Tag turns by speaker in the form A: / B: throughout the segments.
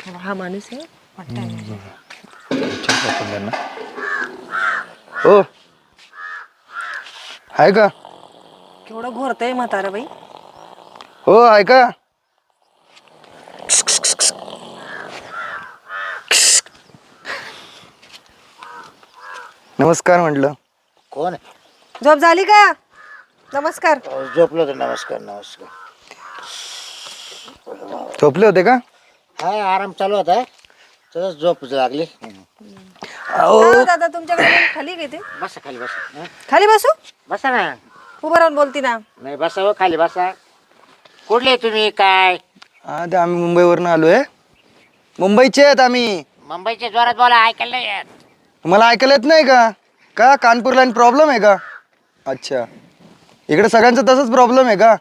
A: हा माणूस आहे वाटतं.
B: हो आहे का?
A: केवढं घोरतंय म्हातारा बाई.
B: हो आहे का? नमस्कार म्हटलं.
C: कोण
A: झोप झाली का? नमस्कार.
C: झोपलो होतो. नमस्कार नमस्कार.
B: झोपले होते का?
C: हा आराम चालू होता. तसंच झोप लागली.
A: हो दादा तुमच्याकडे room खाली घेते.
C: बसा खाली बसा.
A: खाली बसू?
C: बसा ना.
A: उभं राहून बोलती ना.
C: नाही बसा हो खाली बसा. कुठले तुम्ही काय?
B: हा ते आम्ही मुंबईवरून आलोय. मुंबईचे आहेत आम्ही.
C: मुंबईच्या जोरात बोला ऐकायला नाही येत.
B: मला ऐकायला येत नाही का? का कानपूर लाईन प्रॉब्लेम आहे का? अच्छा इकडे सगळ्यांचा तसंच प्रॉब्लेम आहे का?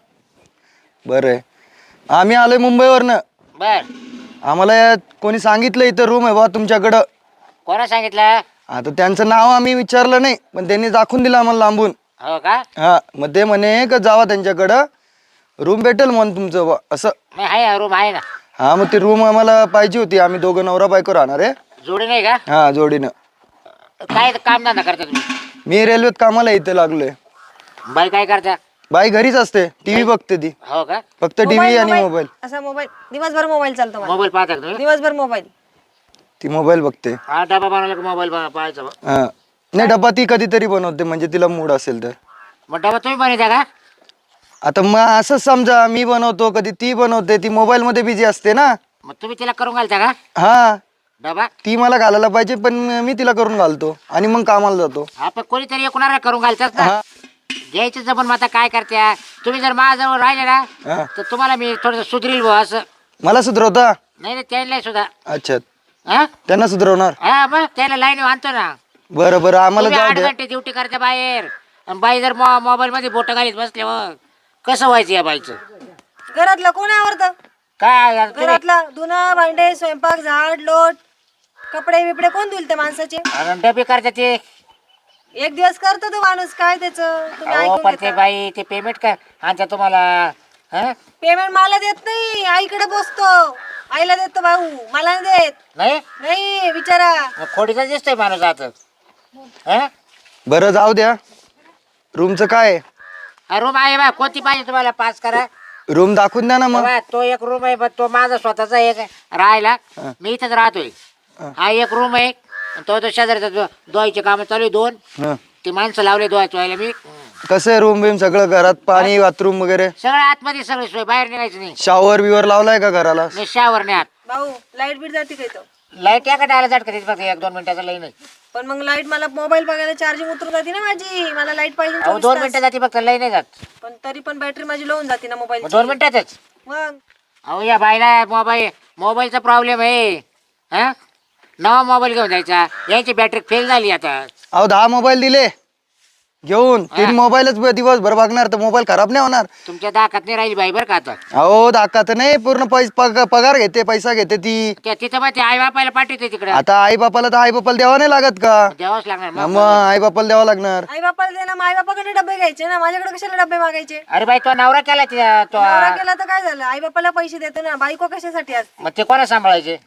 B: बरं आहे. आम्ही आलोय मुंबईवरनं.
C: बर
B: आम्हाला कोणी सांगितलं इथं रूम आहे बा तुमच्याकडं.
C: कोणा सांगितलं?
B: आता त्यांचं नाव आम्ही विचारलं नाही पण त्यांनी दाखवून दिलं आम्हाला लांबून.
C: हो का?
B: हा मग ते म्हणे का जावा त्यांच्याकडं रूम भेटेल म्हणून तुमचं बा असं.
C: नाही आहे रूम आहे ना.
B: हा मग ती रूम आम्हाला पाहिजे होती. आम्ही दोघं नवरा बायको राहणार आहे.
C: जोडी नाही का?
B: हा जोडीनं.
C: काय काम धंदा करता तुम्ही?
B: मी रेल्वेत कामाला इथे लागलोय.
C: बाई काय करता?
B: बाई घरीच असते टीव्ही बघते ती.
C: हो का?
B: फक्त टीव्ही आणि मोबाईल.
A: असा मोबाईल दिवसभर मोबाईल चालतो मला.
C: मोबाईल पाहता का तुम्ही?
A: दिवसभर मोबाईल.
B: ती मोबाईल बघते.
C: हा डबा बनवला का मोबाईल पाहायचा बा.
B: हा नाही डब्बा ती कधीतरी बनवते म्हणजे तिला मूड असेल तर.
C: मग डबा तुम्ही बनवता का?
B: आता मग असंच समजा मी बनवतो कधी ती बनवते. ती मोबाईल मध्ये बिझी असते ना.
C: मग तुम्ही तिला करून घालता का
B: हा
C: डबा?
B: ती मला घालायला पाहिजे पण मी तिला करून घालतो आणि मग कामाला जातो.
C: हा पण कोणीतरी एकूणाला करून घालतात ना.
B: हा
C: घ्यायचं जमून मग आता काय करत्या तुम्ही? जर माझ्याजवळ राहिले ना
B: हा.
C: तर तुम्हाला मी थोडस सुधरील भाऊ असं.
B: मला सुधरवता?
C: नाही नाही त्याला सुद्धा.
B: अच्छा
C: हा
B: त्यांना सुधरवणार.
C: हा मग त्याला लाईन आणतो ना.
B: बरं बरं आम्हाला
C: तुम्ही
B: जाऊ
C: 8
B: द्या.
C: घंटे ड्युटी करता बाहेर आणि बाई जर मोबाईल मध्ये बोट घालीत बसले मग कसं व्हायचं या बाईचं?
A: घरातलं कोण आवडतं?
C: काय आता तुम्ही-
A: घरातला धुणं भांडे स्वयंपाक झाड लोट कपडे बिपडे कोण धुलते माणसाचे?
C: आणि डबे करता ते.
A: एक दिवस करतो तो माणूस काय त्याचं तुम्ही
C: अहो
A: ऐकून
C: पण ते
A: घेता.
C: बाई ते पेमेंट का आणता तुम्हाला? हा
A: पेमेंट मला देत नाही आईकडे बसतो. आईला देतो भाऊ मला नाही देत.
C: नाही
A: नाही विचारा.
C: मग खोडीचा दिसतोय माणूस आता. हा
B: बरं जाऊ द्या. रूमचं काय आहे?
C: रूम आहे बा कोणती पाहिजे तुम्हाला पास करा.
B: रूम दाखवून द्या ना मग.
C: बघा, तो एक रूम आहे पण तो माझा स्वतःचा एक राहायला. मी इथंच राहतोय. हा एक रूम आहे. तो शेजारचा धुवायचे काम चालू आहे 2.
B: हं.
C: ते माणसं लावले धुवायला मी.
B: कसं आहे रूम बिम सगळं घरात पाणी बाथरूम वगैरे?
C: सगळं आतमध्ये सगळं सोय बाहेर निघायचं नाही.
B: शॉवर बिवर लावलाय का घराला?
C: नाही शावर नाही आत.
A: भाऊ लाईट बीट जाते काय तो?
C: लाईट याकडे आला झटका देत फक्त 1-2 मिनिटाचा लई नाही.
A: पण मग लाईट मला मोबाईल बघायला चार्जिंग उतरून जाते ना माझी. मला लाईट पाहिजे
C: अहो
A: 24
C: 2
A: तास.
C: मिनिटं जाते फक्त लई नाही जात.
A: पण तरी पण बॅटरी माझी लोन जाते ना मोबाईल.
C: 2 मिनिटातच.
A: मग
C: अहो या बाईला मोबाईलचा प्रॉब्लेम आहे. हा नवा मोबाईल घेऊन जायचा. याची बॅटरी फेल झाली आता.
B: अहो 10 मोबाईल दिले घेऊन. 3 मोबाईलच दिवसभर बघणार तर मोबाईल खराब नाही होणार.
C: तुमच्या दाखात नाही राहिली बाई बरं का आता.
B: अहो दाखा तर नाही पूर्ण पगार घेते पैसा घेते ती.
C: तिथं मग ते आई बापायला पाठवते तिकडे.
B: आता आई बापाला तर आई बापाला द्यावा नाही लागत का?
C: द्यावंच लागणार
B: मग
C: मग.
B: आई बापाला द्यावा लागणार.
A: आई बापाला दे ना. आई बापाकडे डबे घ्यायचे ना. माझ्याकडे कशाला डबे मागायचे?
C: अरे बाई तो नवरा केला तो.
A: नवरा केला तर काय झालं? आई बापाला पैसे देतो ना. बायको कशासाठी असते?
C: मग ते कोणा सांभाळायचे?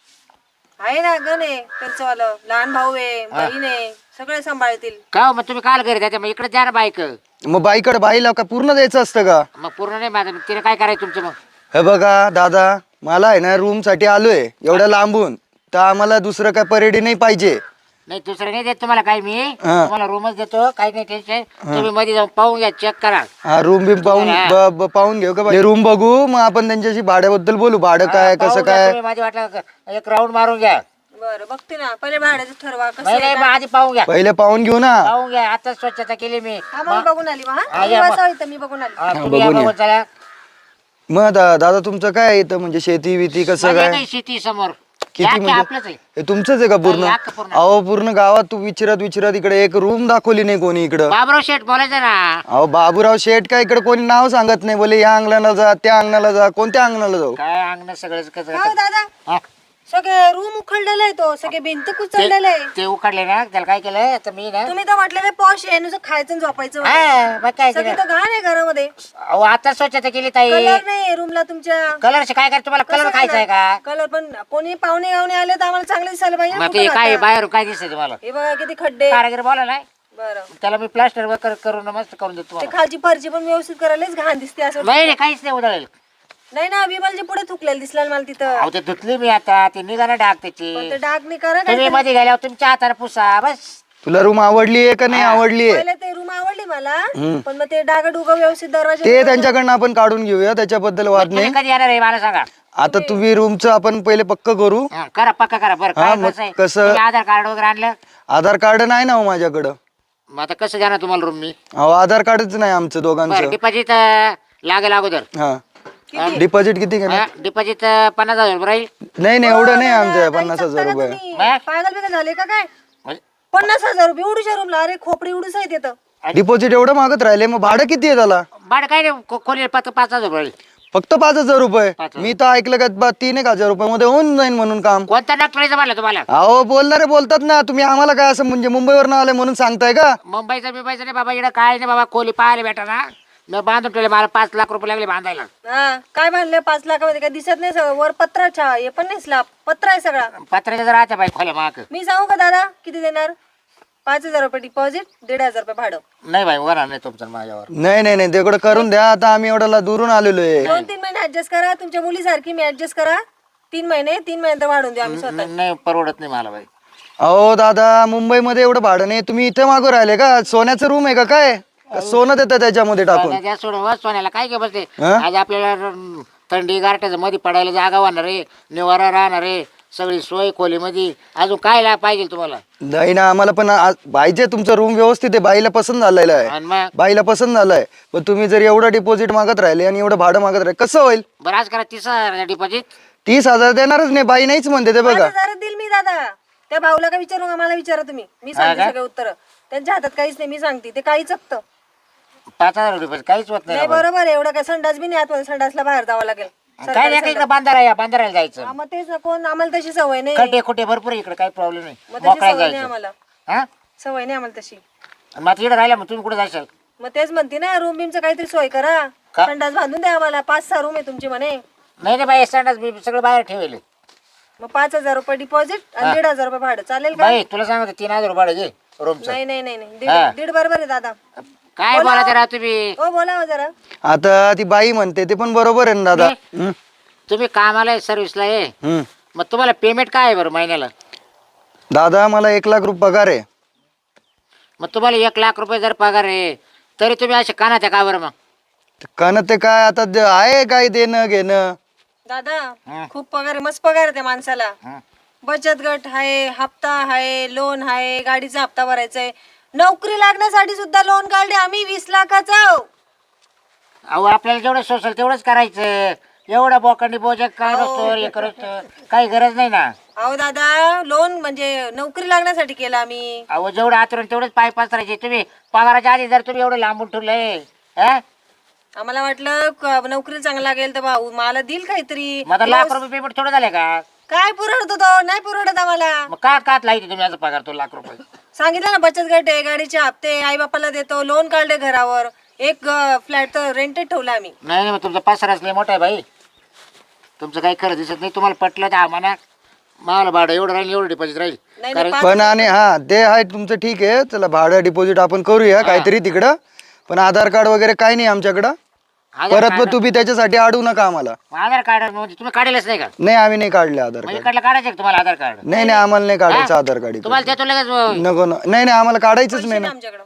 A: आहे ना गण आहे त्यांचं वालं. लहान भाऊ आहे बहीण आहे सगळे सांभाळतील.
C: का हो, मग तुम्ही काल घरी जाते मग इकडे द्या ना बाईक.
B: मग बाईकडे बाईला का पूर्ण द्यायचं असतं का?
C: मग पूर्ण नाही माझं तिने काय करायचं तुमचं मग?
B: हे बघा दादा मला आहे ना रूम साठी आलोय एवढ्या लांबून तर आम्हाला दुसरं काय परेडी नाही पाहिजे.
C: नाही दुसरं नाही देत तुम्हाला काही मी. तुम्हाला रूमच देतो काही नाही टेन्शन. तुम्ही मध्ये जाऊन पाहून घ्या चेक करा.
B: हा रूम बिम पाहून पाहून घेऊ का? रूम बघू मग आपण त्यांच्याशी भाड्याबद्दल बोलू. भाडं काय कसं
C: पाहून घ्या
B: काय?
C: तुम्ही. माझी वाटलं एक राऊंड मारून घ्या.
A: बरं बघते ना. पहिले भाड्याचं ठरवा कसं
C: नाही
A: आहे
C: नाही,
A: काय.
C: मग आधी पाहून घ्या.
B: पहिले पाहून घेऊ ना.
C: पाहून घ्या. आता स्वच्छता केली मी.
A: हा मग बघून आली मग.
C: हा,
A: हा
C: या मग.
A: बसावं इथं, मी बघून आली.
C: हा, तुम्ही या
B: बघून या.
C: बघून चला.
B: मग दादा तुमचं काय येतं म्हणजे शेती बिती कसं
C: माझी
B: काय?
C: काही शेती समोर.
B: किती
C: या की
B: म्हणजे?
C: आपलंच आहे.
B: हे तुमचंच आहे का पूर्ण?
C: हा, अख्खं पूर्ण.
B: अहो पूर्ण गावात तू विचारत इकडे एक रूम दाखवली नाही कोणी इकडं.
C: बाबराव शेठ बोलायचं ना.
B: अहो बाबूराव शेठ काय इकडे कोणी नाव सांगत नाही. बोले या अंगणाला जा त्या अंगणाला जा. कोणत्या अंगणाला जाऊ?
C: काय अंगण सगळं कसं
A: हो दादा
C: हा.
A: सगळे रूम उखडलेले आहे तो, सगळे भिंत कुचललेले आहे.
C: ते उकडले ना, त्याला काय केलं तर मी ना,
A: तुम्ही तर म्हटलेले पॉश आहे, नुसतं खायचं आणि झोपायचं म्हणे.
C: हा, मग काय
A: सगळी
C: केलं?
A: तर घाण आहे घरामध्ये.
C: अहो आता स्वच्छता केली ताई.
A: कलर नाही रूमला तुमच्या.
C: कलरचे काय करायचं तुम्हाला? कलर खायचा आहे का?
A: कलर पण कोणी पाहुणे गावणे आले तर आम्हाला चांगले दिसायला पाहिजे ना
C: मग ते
A: कुठं
C: काय
A: राहता.
C: बाहेर काय दिसतंय तुम्हाला?
A: हे बघा किती खड्डे.
C: कारागीर बोला ना,
A: बरं
C: त्याला मी प्लास्टर वगैरे करून मस्त करून देतो
A: ते
C: तुम्हाला.
A: खालची फरची पण व्यवस्थित करायलाच घाण दिसते असं.
C: नाही नाही, काहीच नाही उधळेल.
A: नाही ना, विमलच्या पुढे थुकलेलं दिसलं मला तिथं.
C: अहो ते धुतली मी आता, ते निघाला डाग त्याची.
A: पण ते डाग नाही करा
C: तुम्ही
A: काय.
C: मध्ये गेल्यावर तुमच्या हाताने पुसा बस.
B: तुला रूम आवडली आहे का नाही आवडली आहे?
A: पहिले ते रूम आवडली मला, पण मग ते डाग डुग व्यवस्थित दरवाजा.
B: ते त्यांच्याकडनं आपण काढून घेऊया, त्याच्याबद्दल वाद
C: तुम्ही
B: नाही.
C: कधी येणार आहे मला सांगा.
B: आता तुम्ही रूमचं आपण पहिले पक्क करू.
C: हा, करा पक्का करा. बरं
B: हा,
C: काय
B: मग
C: कसं आहे?
B: कसं?
C: तुम्ही आधार कार्ड वगैरे आणलं?
B: आधार कार्ड नाही ना हो माझ्याकडं.
C: मग आता कसं जाणार तुम्हाला रूम मी?
B: अहो आधार कार्डच नाही आमचं
C: बरं
B: दोघांचं.
C: डिपॉझिट लागेल अगोदर.
B: हा डिपॉझिट किती घेणार?
C: डिपॉझिट 50,000 रुपये राहील.
B: नाही नाही एवढं नाही आमचं
A: काही
B: 50,000
A: चकता का
B: रुपये.
A: तुम्ही?
C: बाय.
A: पागल बिगल झाले का काय?
C: म्हणजे
A: 50,000 रुपये एवढीच्या रूमला? अरे खोपडी उडूस आहे तिथं.
B: डिपॉझिट एवढं मागत राहिले, मग भाडं किती आहे त्याला?
C: भाडं काय नाही, खोली 5,000 रुपये राहील.
B: फक्त 5,000 रुपये.
C: 5,000.
B: मी तर ऐकलं का 3,000 रुपये मध्ये होऊन जाईल म्हणून काम.
C: कोणता डॉक्टरचं म्हणलं तुम्हाला?
B: अहो बोलणारे बोलतात ना, तुम्ही आम्हाला काय असं म्हणजे मुंबईवर न आले म्हणून सांगताय का?
C: मुंबईचा बिंबईचा नाही बाबा, इकडं काय नाही बाबा, खोली पाहायला भेटा ना. मी बांधून ठेवले, मला 5 लाख रुपये लागले बांधायला.
A: हा काय बांधले 5 लाखामध्ये? काय दिसत नाही सगळं वर पत्राच्या, हे पण नाही स्लॅब, पत्र आहे सगळा.
C: पत्र्याच्या जर राहत्या बाई खोल्या माग.
A: मी सांगू का दादा किती देणार? 5,000 रुपये डिपॉझिट, 1,500 रुपये भाडं.
C: नाही बाई होणार नाही तुमचं माझ्यावर.
B: नाही नाही नाही, तेवढं करून द्या. आता आम्ही एवढ्याला दुरून आलेलो आहे.
A: 2-3 महिने ऍडजस्ट करा, तुमच्या मुलीसारखी मी ऍडजस्ट करा. 3 महिने तर वाढून देऊ आम्ही स्वतः.
C: नाही परवडत नाही मला बाई.
B: अहो दादा, मुंबईमध्ये एवढं भाडं नाही, तुम्ही इथे मागू राहिले का? सोन्याचं रूम आहे का काय? का सोनं देतं त्याच्यामध्ये टाकून?
C: सोन्याच्या सोडून सोन्याला काय घे बसते.
B: हा?
C: आज आपल्याला थंडी गारठ्याच्या मध्ये पडायला जागा वाहणार आहे, निवारा राहणार आहे, सगळी सोय खोलीमध्ये. अजून काय पाहिजे तुम्हाला?
B: नाही ना, आम्हाला पण पाहिजे तुमचं रूम व्यवस्थित आहे. बाईला पसंत झालेला आहे,
C: आणि मग
B: बाईला पसंत झालाय. पण तुम्ही जर एवढं डिपॉझिट मागत राहिले आणि एवढं भाडं मागत राहिले कसं होईल?
C: बरं आज करा 30,000 डिपॉझिट.
B: 30,000 देणारच नाही, बाई नाहीच म्हणते ते बघा.
A: 5,000 देईल मी दादा. त्या भाऊला का विचारू का? मला विचारा तुम्ही, मी सांगते सगळे उत्तर. त्यांच्या हातात काहीच नाही, मी सांगते ते काही चकतं
C: 5,000 रुपये काहीच होत नाही
A: नाही.
C: बाबा.
A: बरोबर आहे, एवढं काय संडास बी नाही आतमध्ये, संडासला बाहेर जावं लागेल.
C: काय नाही इकडे बांधारायला जायचं.
A: हा, मग तेच ना, कोण आम्हाला तशी सवय नाही.
C: खड्डे खोटे भरपूर आहे इकडे, काही प्रॉब्लेम नाही.
A: मग तशी
C: मोकळा
A: सवय नाही
C: जायचं.
A: आम्हाला,
C: हा
A: सवय नाही आम्हाला तशी.
C: मग आता इकडे राहिला, मग तुम्ही कुठे जायचं?
A: मग तेच म्हणते ना, रूम बीमचं काहीतरी सोय करा.
C: का?
A: संडास बांधून द्या आम्हाला. 5-6 रूम आहे तुमची म्हणे.
C: नाही नाही बाई, स्टँडच मी सगळं बाहेर ठेवले.
A: मग 5,000 रुपये डिपॉझिट आणि 1,500 रुपये भाडं चालेल का?
C: बाई तुला सांगतो 3,000 रुपये भाडं घे रूमचं.
A: नाही नाही नाही नाही,
C: हा.
A: दीड बरोबर आहे दादा.
C: काय बोलायचं राहा तुम्ही?
A: हो बोला हो जरा.
B: आता ती बाई म्हणते ते पण बरोबर आहे ना दादा.
C: तुम्ही कामाला आहे, सर्व्हिसला आहे,
B: हम्म.
C: मग तुम्हाला पेमेंट काय आहे बरं महिन्याला?
B: दादा मला 1,00,000 रुपये पगार आहे.
C: मग तुम्हाला 1,00,000 रुपये जर पगार आहे तरी तुम्ही असे कानात आहे का बरं? मग
B: कन ते काय आता आहे काय देणं घेणं?
A: दादा
C: हा.
A: खूप पगार आहे, मस्त पगार आहे त्या माणसाला.
C: हं.
A: बचत गट आहे, हप्ता आहे, लोन आहे, गाडीचा हप्ता भरायचा आहे. नोकरी लागण्यासाठी सुद्धा लोन काढले आम्ही 20 लाखाचा.
C: अहो आपल्याला जेवढं सोसल तेवढंच करायचं. एवढा बोकांडी बोजा काय नसतो हे करतो, काही गरज नाही ना.
A: अहो दादा, लोन म्हणजे नोकरी लागण्यासाठी केलं आम्ही.
C: अहो जेवढं आतरून तेवढंच पाय पसरायचे. तुम्ही पगाराच्या आधी जर तुम्ही एवढं लांबून ठेवलंय, हा?
A: आम्हाला वाटलं नोकरी चांगला लागेल तर भाऊ मला देईल काहीतरी.
C: मग आता लाख रुपये पेमेंट थोडं झाले का?
A: काय पुरवतो तो? नाही पुरवत आम्हाला.
C: मग कात लाईते तुम्ही याचा पगार तो लाख रुपये?
A: सांगितलं ना, बचत गट आहे, गाडीचे हप्ते आई बापाला देतो, लोन काढले घरावर. एक फ्लॅट तर रेंटेड ठेवला आम्ही.
C: नाही नाही, मग तुमचा पसारा असले मोठा आहे बाई. तुमचं काही खरं दिसत नाही. तुम्हाला पटलं तर आम्हाला मला भाडं एवढं राहील, एवढं डिपॉझिट राहील.
A: नाही
C: कारण
A: नाही,
B: पण आणि हा ते आहे तुमचं ठीक आहे. चला भाडं डिपॉझिट आपण करूया काहीतरी तिकडं. पण आधार कार्ड वगैरे काही नाही आमच्याकडं.
C: आधार
B: परत मग तुम्ही त्याच्यासाठी अडवू नका आम्हाला.
C: आधार कार्ड म्हणजे तुम्ही काढेलच नाही का?
B: नाही आम्ही नाही काढले आधार
C: म्हणजे
B: कार्ड.
C: इकडलं काढायचं का तुम्हाला आधार कार्ड?
B: नाही नाही आम्हाला नाही काढायचं आधार कार्ड इकडं.
C: तुम्हाला देतो लगेच.
B: नको नाही नाही आम्हाला काढायचंच नाही ना.
A: आमच्याकडं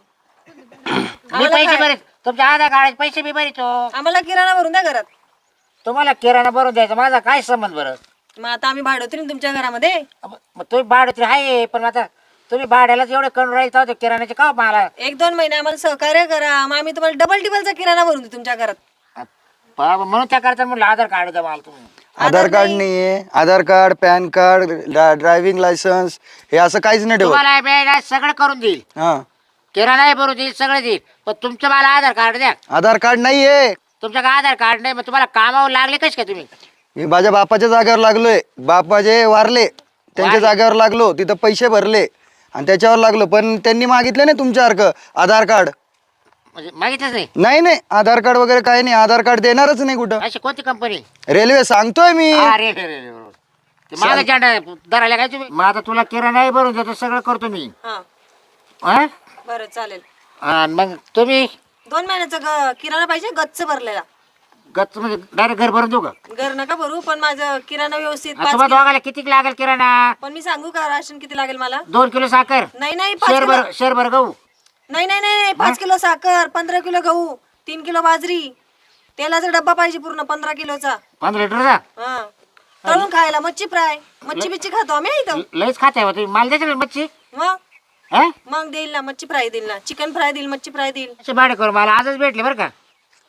C: मी पैसे भरीत, तुमच्या आधार कार्डाचे पैसे मी भरीतो.
A: आम्हाला किराणा भरून द्या घरात.
C: तुम्हाला किराणा भरून द्यायचा, माझा काय संबंध बरं?
A: मग आता आम्ही भाडोत्री ना तुमच्या घरामध्ये.
C: मग तुम्ही भाडं तरी आहे, पण आता तुम्ही भाड्यालाच एवढे करून राहील तर किराण्याचे का मला?
A: 1-2 महिने आम्हाला सहकार्य करा, मग आम्ही तुम्हाला डबल टिबलचा किराणा भरून देऊ तुमच्या घरात.
C: बाबा, म्हणून त्या करता म्हटलं आधार कार्ड द्या मला तुम्ही.
B: आधार कार्ड नाहीये. Aadhaar card, pan card, driving licence हे असं काहीच नाही ठेवत.
C: तुम्हाला मिळणार सगळं करून देईल,
B: हा
C: किराणाही भरून देईल, सगळं देईल, पण तुमचं मला आधार कार्ड द्या.
B: आधार कार्ड नाहीये.
C: तुमच्याकडे आधार कार्ड नाही, मग तुम्हाला कामावर लागले कसे काय तुम्ही?
B: मी माझ्या बापाच्या जागेवर लागलोय. बाप माझे वारले, त्यांच्या जागेवर लागलो, तिथं पैसे भरले आणि त्याच्यावर लागलो. पण त्यांनी मागितलं नाही तुमच्यासारखं आधार कार्ड.
C: म्हणजे मागितलंच नाही.
B: नाही नाही, आधार कार्ड वगैरे काही नाही. आधार कार्ड देणारच नाही कुठं.
C: अशी कोणती कंपनी?
B: रेल्वे सांगतोय मी.
C: अरे रे रे रे बरोबर. ते माझा झेंडा धरायला काय तुम्ही? मग आता तुला किराणाही भरून देतो, सगळं करतो मी.
A: हा
C: हा?
A: बरं चालेल.
C: आणि मग तुम्ही
A: 2 महिन्याचा किराणा पाहिजे, गच्च भरलेला.
C: गच्च म्हणजे डायरेक्ट घर भरून देऊ का?
A: घर नका भरू, पण माझं किराणा व्यवस्थित
C: आता तुम्हाला दोघाला किती लागेल किराणा?
A: पण मी सांगू का राशन किती लागेल मला?
C: 2 किलो साखर,
A: नाही नाही 5 किलो.
C: शेरभर गहू.
A: नाही नाही नाही 5 किलो साखर, 15 किलो गहू, 3 किलो बाजरी, तेलाचा डब्बा पाहिजे पूर्ण 15 किलोचा.
C: 15 लिटरचा.
A: हा तळून खायला मच्छी फ्राय, मच्छी बिच्छी खातो आम्ही इथं.
C: लईच खाते हो तुम्ही. मला द्यायचं मच्छी.
A: मग
C: हा?
A: मग देईल ना, मच्छी फ्राय देईल ना, चिकन फ्राय देईल, मच्छी फ्राय देईल.
C: असे भाडे करू मला आजच भेटले बरं का.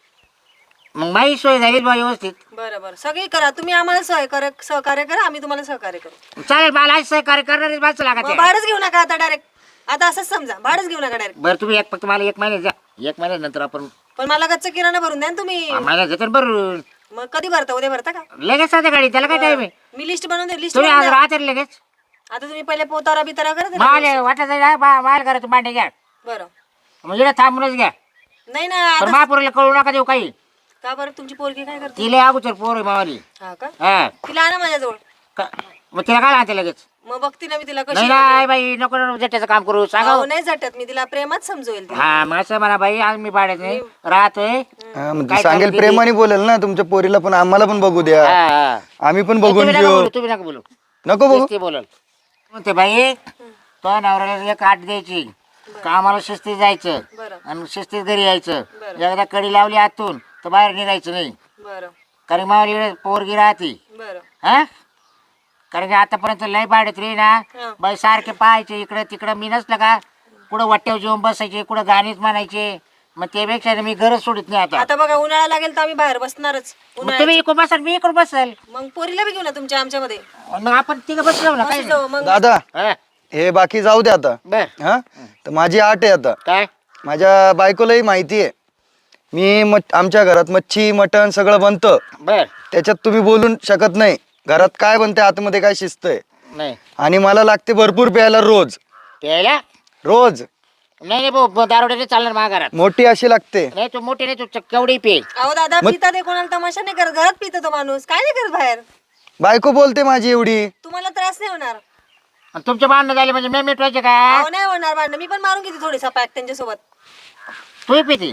C: मग माझी सोय झाली बा व्यवस्थित.
A: बरं बरं सगळी करा तुम्ही, आम्हाला सहकार्य करा, आम्ही तुम्हाला सहकार्य करू.
C: चालेल, मला आज सहकार्य करणारीच माणसं
A: मग
C: लागत.
A: भाडंच घेऊ नका आता डायरेक्ट. आता असंच समजा, भाडंच घेऊ नका डायरेक्ट.
C: बरं तुम्ही फक्त मला 1 महिने जा. 1 महिन्यानंतर आपण
A: पण मला गच्च किराणा भरून द्या ना तुम्ही.
C: महिना घेतो बरं.
A: मग कधी भरता? उद्या भरता का?
C: लगेच साध्या गाडी, त्याला काय टाइम आहे?
A: मी लिस्ट बनवून दे, लिस्ट
C: तुम्ही आज राहते लगेच.
A: आता तुम्ही पहिले पोतारा बितारा करत ना.
C: माल वाटत माल करा तू मांडे घ्या.
A: बरं
C: म्हणजे थांबूनच घ्या.
A: नाही ना.
C: पण महापुरीला कळू नका देऊ काही.
A: का बरं? तुमची पोरगी काय करते?
C: तिला अगोदर पोर आहे मावाली.
A: हा का?
C: हा.
A: तिला आणा माझ्याजवळ.
C: मग तिला काय राहते लगेच?
A: मग बघते ना मी तिला कशी.
C: नाही नाही बाई, नको नको जट्ट्याचं काम करू सांगा.
A: अहो, नाही झटत मी तिला, प्रेमात समजवेल तिला.
C: हा मग असं म्हणा बाई, आज मी भाड्यात नाही राहतोय.
B: हा, म्हणजे
C: काय
B: सांगेल
C: चालू
B: प्रेमाने बोलेल ना तुमच्या पोरीला, पण आम्हाला पण बघू द्या.
C: हा, हा.
B: आम्ही पण
C: तुम्ही
B: बघून
C: नका
B: घेऊ.
C: बोलू, तुम्ही नका बोलू.
B: नको बघू.
C: ते बोलल म्हणते बाई, तो नवऱ्याला 1 आठ द्यायची, कामाला शिस्तीत जायचं
A: बरं
C: आणि शिस्तीत घरी यायचं.
A: बरं.
C: एकदा कडी लावली आतून तर बाहेर निघायचं नाही.
A: बरं
C: कारण मावली पोरगी राहते.
A: बरं.
C: हा, कारण की आतापर्यंत लय भाड्यात रे ना
A: हा.
C: बाई, सारखे पाहायचे इकडं तिकडं. मी नसलं का कुठं वाट्यावर जेवून बसायचे, कुठं गाणीच म्हणायचे. मग त्यापेक्षा मी घरच सोडित नाही आता.
A: आता बघा उन्हाळा लागेल तर आम्ही बाहेर बसणारच.
C: मग तुम्ही इकडून बसाल, मी इकडून बसल.
A: मग पोरीला बी घेऊ ना तुमच्या आमच्यामध्ये.
C: मग आपण तिघं बसलो ना काय
A: असं जाऊ मग.
B: दादा
C: हा,
B: हे बाकी जाऊ द्या आता.
C: बर.
B: हा, तर माझी आट आहे आता.
C: काय?
B: माझ्या बायकोलाही माहिती आहे. आमच्या घरात मच्छी मटण सगळं बनतं.
C: बर.
B: त्याच्यात तुम्ही बोलू शकत नाही. घरात काय बनते, आतमध्ये काय शिस्त आहे.
C: नाही
B: आणि मला लागते भरपूर प्यायला रोज.
C: प्यायला?
B: रोज
C: नाही नाही भाऊ, दारोड्याने चालणार माझ्या घरात.
B: मोठी अशी लागते.
C: नाही तू मोठी नाही, तू केवढी पे.
A: अहो दादा पिता ते कोणाला तमाशा नाही करत, घरात पिता तो माणूस, काय नाही करत बाहेर.
B: बायको बोलते माझी एवढी.
A: तुम्हाला त्रास नाही होणार.
C: आणि तुमचे भांडणं झाले म्हणजे मी मिटवायचे का?
A: अहो नाही होणार भांडण, मी पण मारून घेते थोडीसा पॅक त्यांच्यासोबत.
C: तू पिती?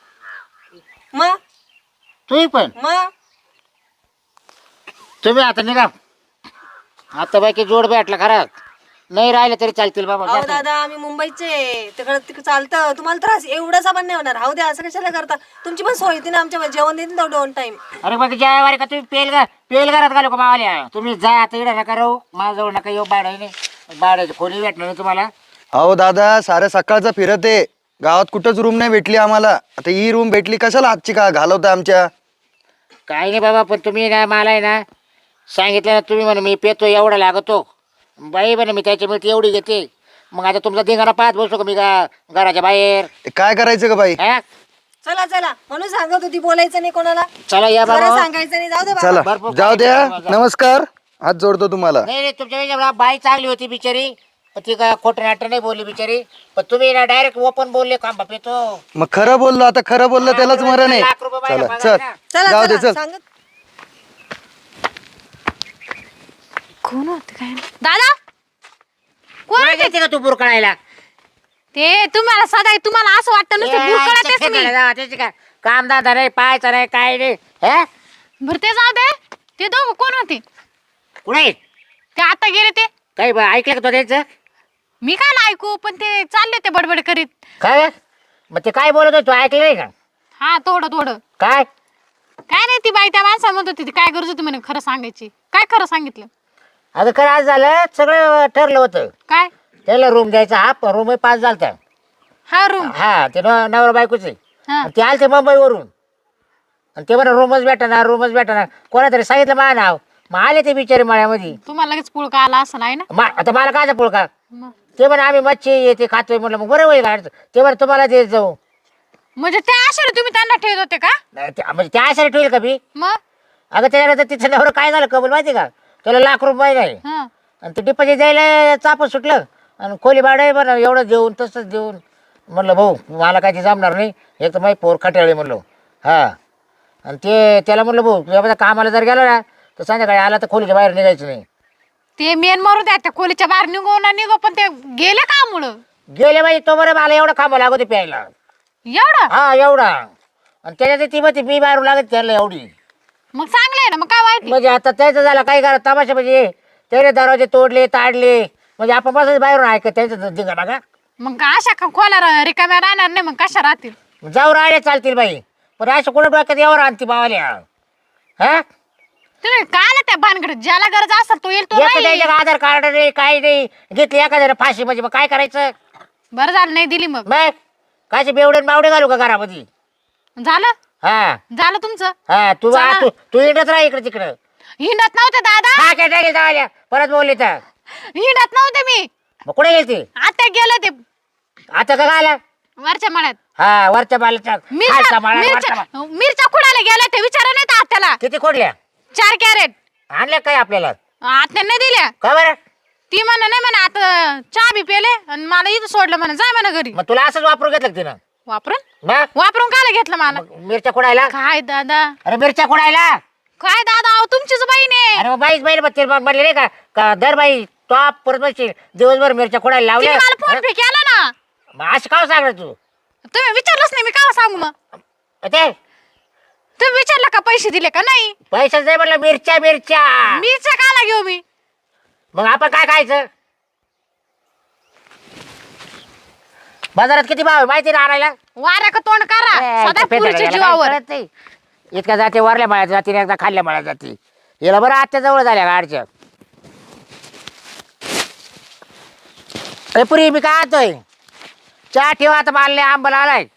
A: मग
C: तू पण?
A: मग
C: तुम्ही आता निघा. आता बाकी जोड भेटला खरा, नाही राहिले तरी चालतील बाबा.
A: अहो दादा आम्ही मुंबईचे, तिकडे चालतं. तुम्हाला त्रास एवढासा पण नाही होणार. हाऊ द्या, असं कशाला करता? तुमची पण सोय येते ना आमच्या, जेवण देते ना 2 टाइम.
C: अरे बाकी जेवारी का तुम्ही पेल घरात घालू का मावाल्या? तुम्ही जा आता, इकडे नका राहू, माझ्याजवळ नका येऊ. भाड्याने भाड्याची खोली भेटणार नाही तुम्हाला.
B: अहो दादा साऱ्या सकाळचा फिरत आहे गावात, कुठंच रूम नाही भेटली आम्हाला. आता ही रूम भेटली, कशाला आजची का घालवता आमच्या?
C: काही नाही बाबा, पण तुम्ही ना मला आहे ना सांगितलं ना, तुम्ही म्हणे मी पेतो एवढा लागतो बाई, म्हणे मी त्याची मिठी एवढी घेते. मग आता तुमचा धिंगाणा पाहत बसतो का मी घराच्या बाहेर?
B: काय करायचं का बाई?
C: हा?
A: चला चला म्हणून सांगत होती, बोलायचं नाही कोणाला.
C: चला या
A: जरा
C: बाबा.
A: सांगायचं नाही, जाऊ दे बाबा.
B: चला
C: भरपूर
B: जाऊ द्या.
C: काही
B: नमस्कार, हात जोडतो तुम्हाला.
C: नाही नाही, तुमच्या वेळेला बाई चांगली होती बिचारी, पण ती का खोटं नाटं नाही बोलली बिचारी. पण तुम्ही ना डायरेक्ट ओपन बोलले, खांबा पेतो.
B: मग खरं बोललो, आता खरं बोललो त्यालाच मरण आहे.
C: लाख रुपये बाईला
B: चला
C: पगार
B: चल,
C: ना.
A: चला
B: जाऊ दे
A: चला
B: चल.
A: सांगत.
D: कोण होते काय दादा? कोण
C: कोणाला
D: होते
C: देते का तू बुरकळायला?
D: ते? तुम्हाला सदा तुम्हाला असं वाटतं नुसतं बुरकळातेच मी.
C: त्याची काय काम दादा नाही, पाहायचं नाही, काय नाही. हे
D: बरं ते जाऊ दे. ते दोघं कोण होते?
C: कुठे
D: ते आता गेले ते.
C: काही ऐकलं का तो त्यांचं?
D: मी काय ना ऐकू, पण ते चालले ते बडबड करीत.
C: काय मग ते काय बोलत होतो, ऐकलं नाही का?
D: हा थोडं थोडं.
C: काय
D: काय नाही, ती बाई त्या माणसाला म्हणत होती ती काय गरज होती म्हणे खरं सांगायची. काय खरं सांगितलं?
C: अगं खरं आज झालं, सगळं ठरलं होतं.
D: काय?
C: त्याला रूम द्यायचा, हा रूम 5 झालता.
D: हा रूम.
C: हा ते नवरा बायकोचे.
D: हा
C: ते आले ते मुंबईवरून, आणि ते म्हणा रूमच भेटा. कोणातरी सांगितलं माझं नाव, मग आले ते बिचारे मळ्यामध्ये.
D: तुम्हाला लगेच पुळका आला असं आहे ना?
C: आता मला काय पुळका?
D: मग
C: ते म्हणा आम्ही मच्छी येते खातोय. म्हटलं मग बरं होईल. ते म्हणा तुम्हाला देत जाऊ.
D: म्हणजे त्या आशाने तुम्ही त्यांना ठेवत होते का?
C: म्हणजे त्या आशाने ठेवेल का मी?
D: मग
C: अगं त्याच्यानंतर तिचं नवरं काय झालं कबूल माहिती का, त्याला ₹1,00,000 नाही
D: हं.
C: आणि ते डिपॉझिट द्यायला चाप सुटलं आणि खोली भाडं बरं एवढं देऊन तसंच देऊन. म्हणलं भाऊ मला काय ते जमणार नाही, एक तर माझी पोर खट्याळे म्हणलो. हां आणि ते त्याला म्हणलं भाऊ तुझ्या कामाला जर गेला ना तर संध्याकाळी आला तर खोलीच्या बाहेर निघायचं नाही.
D: ते मेन मारू द्या त्या खोलीच्या बाहेर निघो ना निघो, पण ते गेले का मुळं
C: गेले बाई तो बरं मला एवढं खांबा लागत होते प्यायला.
D: एवढं.
C: हा एवढा आणि त्याच्यात ती मग मी बाहेर लागत त्याला एवढी.
D: मग चांगलं आहे ना, मग काय वाईट आहे?
C: म्हणजे आता त्याचं झालं काय करा तमाशा म्हणजे त्याने दरवाजे तोडले ताडले म्हणजे आपण बसच बाहेरून ऐकत त्याचं दिंगा का.
D: मग अशा खोल्या रिकाम्या राहणार नाही, मग कशा राहतील?
C: जाऊ राहिले चालतील बाई, पण अशा कुठं डोक्यात यावर आणती बावाल्या. हा
D: तुम्ही काय आला त्या भानगडीत? ज्याला गरज असेल तो येईल, तो
C: एक तर
D: नाही.
C: त्याच्या आधार कार्ड नाही काही नाही, घेतली एखाद्याला फाशी म्हणजे मग काय करायचं.
D: बरं झालं नाही दिली. मग
C: मग कायचे बेवडे बावडे घालू का घरामध्ये.
D: झालं
C: हा
D: झालं तुमचं.
C: हा तू
D: चला.
C: तू येतच राह इकडे तिकडं.
D: हिंडत नव्हते दादा,
C: हा काय टाकेल जावाल्या परत बोलले तर
D: हिंडत नव्हते मी.
C: मग कुठे गेलती
D: आता गेले ते
C: आता का आला.
D: वरच्या मळ्यात.
C: हा वरच्या बालाच्या खालचा माळा, वरचा माळा.
D: मिरच्या खुडायला गेले ते, विचारा नाही तर आत्याला.
C: किती खोडल्या
D: 4 कॅरेट
C: आणल्या काय आपल्याला
D: आत्याने दिल्या.
C: का बरं.
D: ती म्हणा नाही म्हणा, आता चहा बी पेले आणि मला इथं सोडलं म्हणा, जाय म्हणा घरी.
C: मग तुला असंच वापरून घेतलं का तिनं.
D: वापरून
C: मग
D: वापरून कायला घेतलं मला?
C: मिरच्या खोडायला.
D: काय दादा,
C: अरे मिरच्या खोडायला.
D: काय दादा, अहो तुमचीच बहीण आहे.
C: अरे मग बाईच बाई म्हणले नाही का दर बाई टॉप परत बसशील दिवसभर मिरच्या खोडायला
D: तिने
C: लावल्या.
D: मला फोन पे केला ना.
C: मग असं काय सांगणार तू.
D: तुम्ही विचारलंच नाही, मी काय सांगू मग?
C: ते
D: तुम्ही विचारलं का पैसे दिले का नाही?
C: पैशाच नाही म्हटलं मिरच्या मिरच्या.
D: मीच काला घेऊ मी?
C: मग आपण काय खायचं. बाजारात किती भाव आहे माहिती ना आणायला.
D: वाऱ्या का तोंड करा सदा पुरीच्या जीवावर.
C: इतक्या जाते वरल्या माळ्यात जाते एकदा खाल्ल्या माळ्यात जाते. याला बरं आजच्या जवळ झाल्या गाडच्या. अरे पुरी मी काय आणतोय चहा ठेवा आता मला आंबला आलाय.